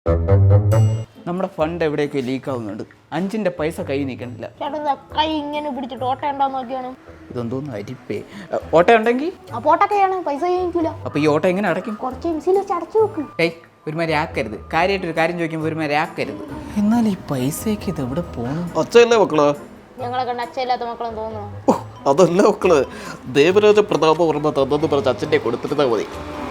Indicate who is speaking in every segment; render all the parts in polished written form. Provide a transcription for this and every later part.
Speaker 1: നമ്മുടെ ഫണ്ട് എവിടെയൊക്കെ ലീക്ക് ആവുന്നുണ്ട്. 5ന്റെ പൈസ കൈ നീക്കണില്ല.
Speaker 2: കൈ ഇങ്ങനെ പിടിച്ചിട്ട് ഓട്ട ഉണ്ടോ നോക്കിയാണ്.
Speaker 1: ഇതൊന്നും അരിപ്പേ. ഓട്ട ഉണ്ടെങ്കിൽ
Speaker 2: പോട്ടൊക്കെയാണ് പൈസ കഴിക്കൂല.
Speaker 1: അപ്പൊ ഈ ഓട്ട എങ്ങനെ അടയ്ക്കും?
Speaker 2: കുറച്ച് എംസിൽ വെച്ച് അടച്ചു നോക്ക്.
Speaker 1: ഒരുമാതിരി ആക്കരുത്. കാര്യമായിട്ടൊരു കാര്യം ചോദിക്കുമ്പോൾ ഒരുമാതിരി ആക്കരുത്. എന്നാൽ ഈ പൈസയൊക്കെ ഇത് എവിടെ പോകണം?
Speaker 3: അച്ഛയല്ലേ മക്കള്?
Speaker 2: ഞങ്ങളെ കണ്ട് അച്ഛയില്ലാത്ത മക്കളെന്ന് തോന്നുന്നു.
Speaker 3: അതല്ല മക്കള്, ദേവരാജ പ്രതാപവർമ്മ തന്നെന്ന് പറഞ്ഞ അച്ഛൻ്റെ കൊടുത്തിരുന്നാൽ മതി.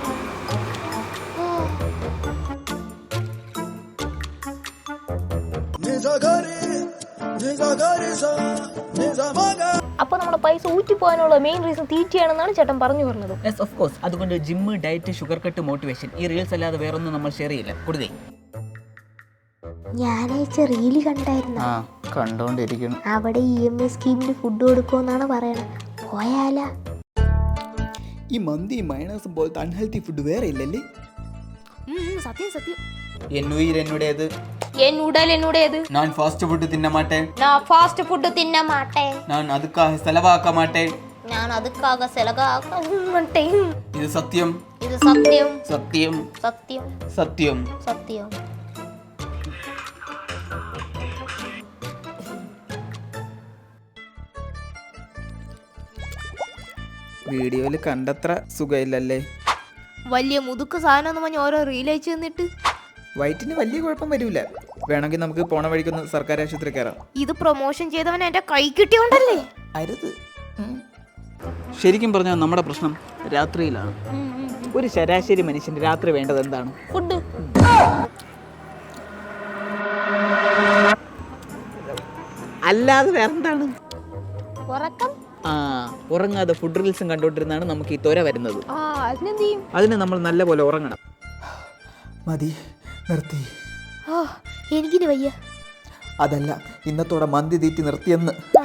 Speaker 2: അപ്പൊ നമ്മുടെ പൈസ ഊറ്റിപ്പോകാനുള്ള മെയിൻ റീസൺ തീറ്റയാണെന്നാണ് ചേട്ടൻ പറഞ്ഞു പറഞ്ഞത്.
Speaker 1: Yes of course. അതുകൊണ്ട് gym, diet, sugar cut, motivation, ഈ റീൽസ് അല്ലാതെ വേറൊന്നും നമ്മൾ ഷെയർ ചെയ്യില്ല. കൊടുത്തേ.
Speaker 2: ഞാനയച്ച റീല് കണ്ടായിരുന്നു.
Speaker 1: കണ്ടോണ്ടിരിക്കണം.
Speaker 2: അവിടെ EMI സ്കീമിന് ഫുഡ് കൊടുക്കുമെന്നാണ് പറയണത്. പോയാലാ?
Speaker 1: ഈ മന്തി മയണൈസും പോലത്തെ അൺഹെൽത്തി ഫുഡ് വേറെ ഇല്ലല്ലേ?
Speaker 2: സത്യം സത്യം.
Speaker 1: എന്നുയിർ എന്നുടേത്,
Speaker 2: என் உடல் என்னுடையது.
Speaker 1: நான் ஃபாஸ்ட் ஃபுட் தின்ன மாட்டேன்.
Speaker 2: நான் ஃபாஸ்ட் ஃபுட் தின்ன மாட்டேன்.
Speaker 1: நான் அதுக்காக செலவாக்க மாட்டேன்.
Speaker 2: நான் அதுக்காக செலவாக்க மாட்டேன்.
Speaker 1: இது சத்தியம்.
Speaker 2: இது சத்தியம்.
Speaker 1: சத்தியம்.
Speaker 2: சத்தியம்.
Speaker 1: സത്യം.
Speaker 2: സത്യം.
Speaker 1: വീഡിയോയിൽ കണ്ടത്ര സുഖമില്ലല്ലേ?
Speaker 2: വലിയ മുതുക്ക് സാധനം പറഞ്ഞ് ഓരോ റീൽ അയച്ചു തന്നിട്ട്
Speaker 1: വയറ്റിന് വലിയ കുഴപ്പം വരില്ല. വേണമെങ്കിൽ നമുക്ക് പോണ വഴിക്കൊന്ന് സർക്കാർ ആശുപത്രി കയറാം.
Speaker 2: ഇത് പ്രൊമോഷൻ ചെയ്തവൻ എന്റെ കൈ കിട്ടിയോണ്ടല്ലേ.
Speaker 1: അരുത്. ശരിക്കും പറഞ്ഞാൽ നമ്മുടെ പ്രശ്നം രാത്രിയിലാണ്. ഒരു ശരാശരി മനുഷ്യന് രാത്രി വേണ്ടത് എന്താണ്?
Speaker 2: ഫുഡ്.
Speaker 1: അല്ലാതെ വേറെന്താണ്?
Speaker 2: ഉറക്കം.
Speaker 1: ഉറങ്ങാതെ ഫുഡ് റീൽസും കണ്ടോണ്ടിരുന്നാണ് നമുക്ക് ഈ ത്വര വരുന്നത്.
Speaker 2: അതിനെന്ത് ചെയ്യും?
Speaker 1: അതിന് നമ്മൾ നല്ല പോലെ ഉറങ്ങണം. മതി, നിർത്തി.
Speaker 2: എനിക്കിന് വയ്യ.
Speaker 1: അതല്ല, ഇന്നത്തോടെ മന്തി തീറ്റി നിർത്തിയെന്ന്.